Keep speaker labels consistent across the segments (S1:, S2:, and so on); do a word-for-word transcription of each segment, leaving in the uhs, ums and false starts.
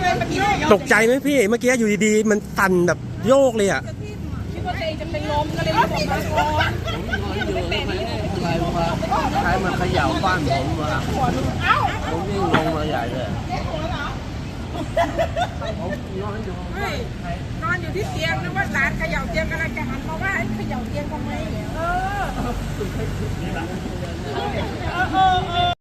S1: ตกใจไหมพี่เมื่อกี้อยู่ดีๆมันสั่นแบบโยกเลยอ่ะ
S2: คิดว่าตัวเองจะเป็นลมก็เลยรีบออกมาก่อน
S3: ใครมาเขย่าบ้านผมวะผมวิ่งลงมาใหญ่เลย
S2: นอนอยู่ที่เตียงนึกว่าหลานเขย่าเตียงกำลังจะหันมาว่าเขย่าเตียงทำไมเออเออเออ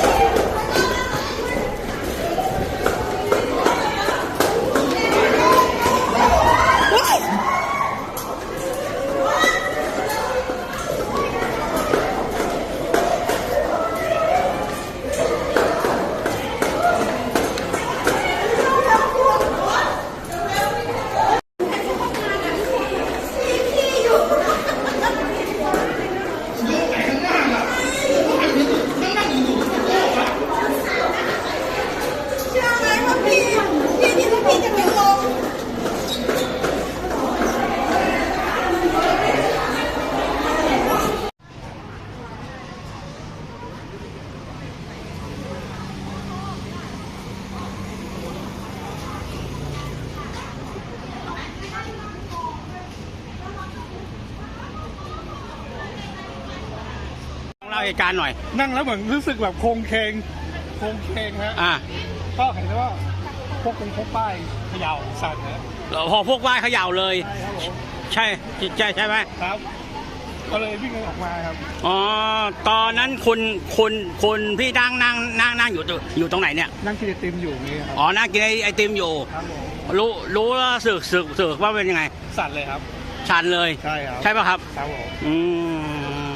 S1: เล่าเหตุการณ์หน่อย
S4: นั่งแล้วเหมือนรู้สึกแบบโครงเคงโครงเคงฮะ
S1: อ่า
S4: ก็เห็นได้ว่าพวกเป็นพวกป้ายเขย่าสั่นนะ
S1: พอพวกว่ายเขย่าเลยใช่ใช่ใช่ไหม
S4: ครับก็เลยวิ่งออกมาครับ
S1: อ๋อตอนนั้นคุณคุณคุณพี่นั่งนั่งนั่งนั่งอยู่อยู่ตรงไหนเนี่ย
S4: นั่งกินไอติมอยู่นี่ครับ
S1: อ๋อนั่งกินไอติมอยู่รู้รู้แล้วสึกสึกสึกว่าเป็นยังไง
S4: สั่นเลยครับ
S1: สั่นเลย
S4: ใช่ครับ
S1: ใช่ป่ะครับ
S4: ครับผม
S1: อืม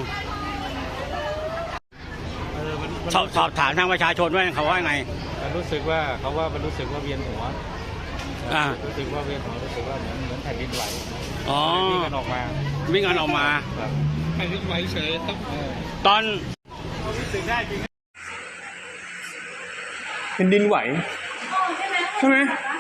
S1: สอบสอบถามทางประชาชนว่าเขาว่าไง
S4: มันรู้สึกว่าเขาว่ามันรู้สึกว่าเวียนหัว
S1: อ่า
S4: รู้สึกว่าเวียนหัวรู้สึกว่าเหมือนเหมือนแผ่นดินไหว
S1: อ๋อ
S4: วิ่งกันออกมา
S1: วิ่งกันออกมา
S4: แผ่นดินไหวเฉย
S1: ตอน
S4: รู้สึกได้จริงแผ่นดินไหวใช่ไหม